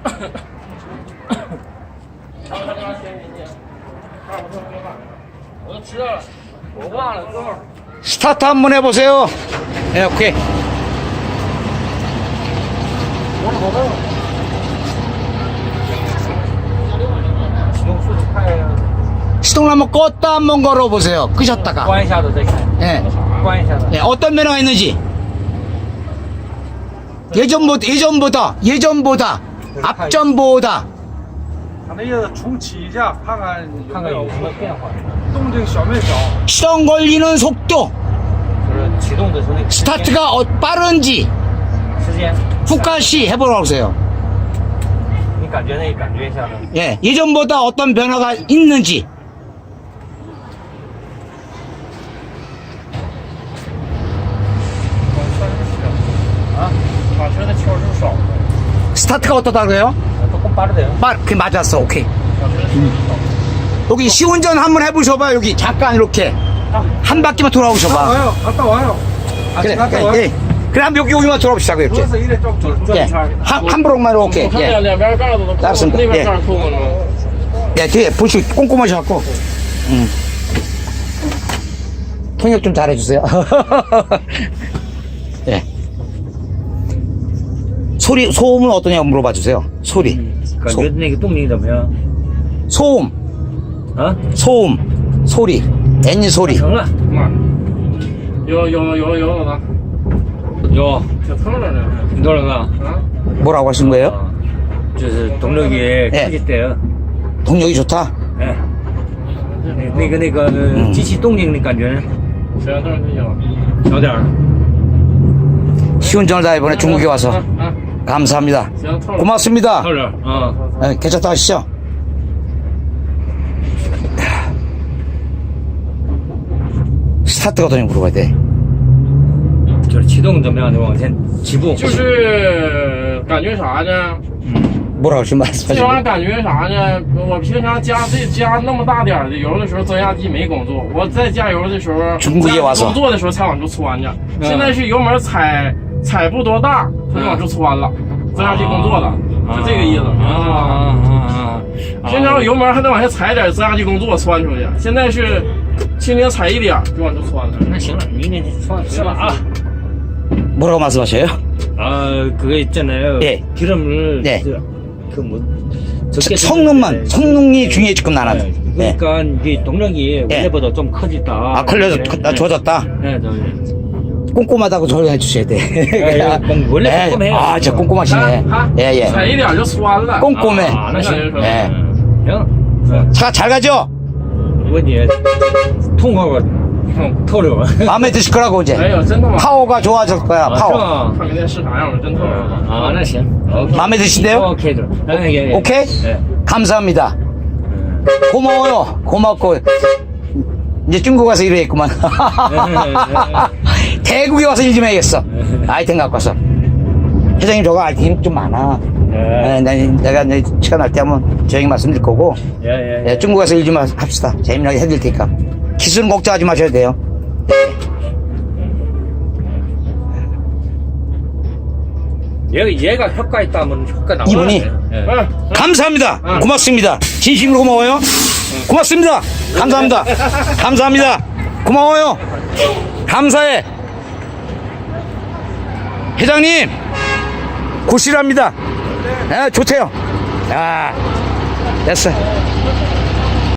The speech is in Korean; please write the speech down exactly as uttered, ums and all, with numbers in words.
我知道了，我忘了，哥们儿。 스타트 한번 해보세요. 네, 오케이. 시동을 한번 껐다 한번 걸어보세요. 끄셨다가. 关一下子再看。 예. 关一下子。 예, 어떤 변화가 있는지. 예전보다, 예전보다, 예전보다, 앞전보다. 他那意思重启一下，看看有没有看看有什么变化。 动静小没小。 시동 걸리는 속도, 就是启动的时候那个时间 스타트가 어, 빠른지, 时间， 후카시 해보라고 하세요. 你感觉那感觉一下子。 예, 예전보다 어떤 변화가 있는지. 啊，马车的气儿是少的， 스타트가 어떠다 그래요? 조금 빠르대요. 빠, 그 맞았어, 오케이. 马车的气儿是少的。 여기 시운전 한번 해보셔봐. 여기 잠깐 이렇게 한 바퀴만 돌아오셔봐. 와요, 갔다 와요. 아, 그래, 갔다 그래, 와요. 예. 그래 한번 여기 여기만 돌아보시자고 이렇게. 그래서 이래 좀 좀. 转 예, 圈儿。 한, 한 브록만 오케이. 看 예. 两两边盖子都扣， 알았습니다. 那边 예. 盖扣了吗？ 예, 뒤에 보시 꼼꼼하셔갖고. 음. 통역 좀 잘해주세요. 예. 소리, 소음은 어떠냐고 물어봐 주세요. 소리. 感觉那个动力怎么样？ 소음, 啊， 소음, 소리, 엔진 소리. 成了。有有有有了吗？有，挺透了呢。多少个？啊？ 뭐라고 하신 거예요? 就是动力 예. 크겠대요. 동력이 좋다. 哎，那个那个机器动静的感觉，小点儿就行，小点儿。 시운전을 다 이번에 중국에 와서 감사합니다. 고맙습니다. 透点儿啊。 예, 괜찮다 하시죠? 스타트가 어떠냐고 물어봐야 돼. 就是启动怎么样的往前起步？ 就是感觉啥呢？ 뭐라고 지금 这玩意 말씀하시는 儿感觉啥呢？我平常加这加那么大点儿的油的时候，增压机没工作。我在加油的时候， 中国也挖手工作的时候才往出窜呢。现在是油门踩踩不多大，它就往出窜了，增压机工作了，是这个意思。 啊啊啊！ 平常油门还得往下踩点，增压机工作窜出去。现在是轻轻踩一点就往出窜了。 那行了，明天放是吧啊？ 뭐라고 말씀하셔요? 아 그거 있잖아요. 예. 기름을 네. 그뭐 성능만 성능이 중요해지금 나는. 예. 그러니까 이게 동력이 예. 원래보다 좀 커졌다. 아 걸려서 좋아졌다. 네, 네. 꼼꼼하다고 조용해 주셔야 돼. 예, 예. 원래 꼼꼼해요. 아, 진짜 꼼꼼하시네. 예예. 踩一点就窜了。 꼼꼼해. 아, 나行. 예. 형, 차 잘 가죠? 뭐니 통화가透了. 마음에 드실 거라고 이제. 哎呦，真他妈！ 파워가 좋아질 거야. 아, 파워. 看明天是啥样了，真透了。 아, 나行. 오케이. 마음에 드신대요? 오케이. 예, 예, 예. 오케이? 예. 감사합니다. 고마워요. 고맙고. 이제 중국 가서 일해야겠구만. 대국에 와서 일 좀 해야겠어. 아이템 갖고 와서. 회장님 저거 아이템 좀 많아. 예. 예, 내- 내가 이제 시간 날 때 한번 저에게 말씀드릴 거고. 예, 예. 예, 중국 가서 일 좀 합시다. 재미나게 해드릴 테니까. 기술은 걱정하지 마셔도 돼요. 얘가 얘가 효과 있다면 효과 나와. 이분이? 예. 감사합니다. 고맙습니다. 진심으로 고마워요. 고맙습니다. 감사합니다. 감사합니다. 고마워요. 감사해. 회장님, 고시랍니다. 예, 좋대요. 야, 됐어.